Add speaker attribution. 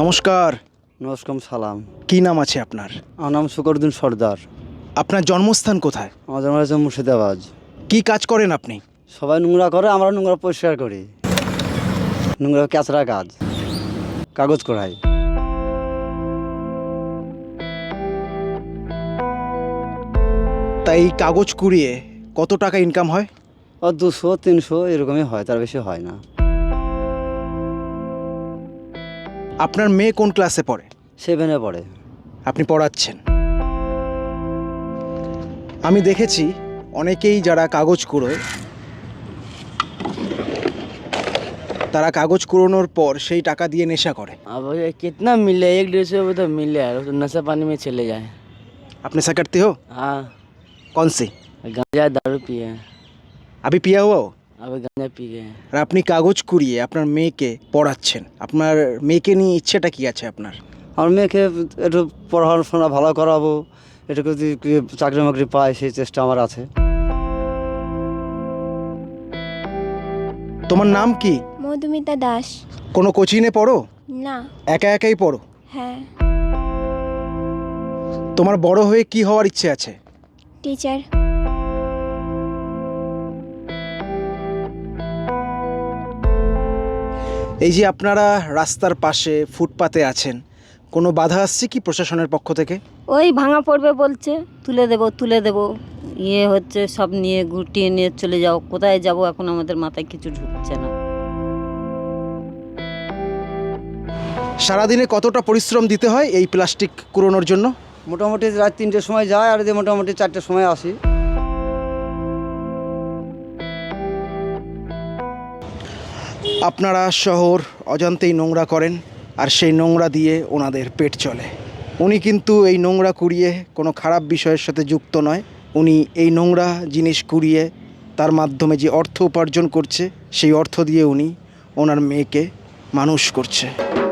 Speaker 1: নমস্কার।
Speaker 2: নমস্কার সালাম।
Speaker 1: কি নাম আছে আপনার?
Speaker 2: আমার নাম শুকরুদ্দিন সর্দার।
Speaker 1: আপনার জন্মস্থান কোথায়?
Speaker 2: আমার জন্ম হয়েছে মুর্শিদাবাদ।
Speaker 1: কি কাজ করেন আপনি?
Speaker 2: সবাই নোংরা করে, আমরা নোংরা পরিষ্কার করি। নোংরা ক্যাচরা কাজ, কাগজ কড়াই।
Speaker 1: তাই কাগজ কুড়িয়ে কত টাকা ইনকাম হয়?
Speaker 2: 200-300 এরকমই হয়, তার বেশি হয় না।
Speaker 1: আপনার মেয়ে কোন ক্লাসে পড়ে?
Speaker 2: 7-এ পড়ে।
Speaker 1: আপনি পড়াচ্ছেন। আমি দেখেছি অনেকেই যারা কাগজ কুড়োয়, তারা কাগজ কুড়োনোর পর সেই টাকা দিয়ে নেশা করে।
Speaker 3: अब ये कितना मिले, 1-150 रुपये तो मिले यार, तो नशा पानी में चले जाए।
Speaker 1: আপনি नशा करते हो?
Speaker 3: हाँ,
Speaker 1: कौन सी?
Speaker 3: गांजा दारू पिए हैं,
Speaker 1: अभी पिया हुआ हो?
Speaker 3: अब गांजा पी गए हैं।
Speaker 1: আর আপনি কাগজ কুড়িয়ে আপনার মেয়েকে পড়াচ্ছেন। আপনার মেয়েকে নিয়ে ইচ্ছেটা কি আছে আপনার?
Speaker 2: আমার মেয়েকে একটু পড়াশোনা ভালো করাবো, একটু যদি চাকরি বাকরি পায় সেই চেষ্টা আমার আছে।
Speaker 1: তোমার নাম কি?
Speaker 4: মধুমিতা দাস।
Speaker 1: কোনো কোচিংয়ে পড়ো?
Speaker 4: না।
Speaker 1: একা একাই পড়ো?
Speaker 4: হ্যাঁ।
Speaker 1: তোমার বড় হয়ে কি হওয়ার ইচ্ছে আছে?
Speaker 4: টিচার।
Speaker 1: এই যে আপনারা রাস্তার পাশে ফুটপাতে আছেন, কোনো বাধা আসছে কি প্রশাসনের পক্ষ থেকে?
Speaker 5: ওই ভাঙা পড়বে বলছে, তুলে দেব ইয়ে হচ্ছে, সব নিয়ে গুটিয়ে নিয়ে চলে যাও। কোথায় যাব এখন আমাদের মাথায় কিছু ঢুকছে না।
Speaker 1: সারাদিনে কতটা পরিশ্রম দিতে হয় এই প্লাস্টিক কুড়োনোর জন্য?
Speaker 2: মোটামুটি রাত 3টের সময় যায়, আর দিয়ে মোটামুটি 4টের সময় আসি।
Speaker 1: আপনারা শহর অজান্তেই নোংরা করেন, আর সেই নোংরা দিয়ে ওনাদের পেট চলে। উনি কিন্তু এই নোংরা কুড়িয়ে কোনো খারাপ বিষয়ের সাথে যুক্ত নয়। উনি এই নোংরা জিনিস কুড়িয়ে তার মাধ্যমে যে অর্থ উপার্জন করছে, সেই অর্থ দিয়ে উনি ওনার মেয়েকে মানুষ করছে।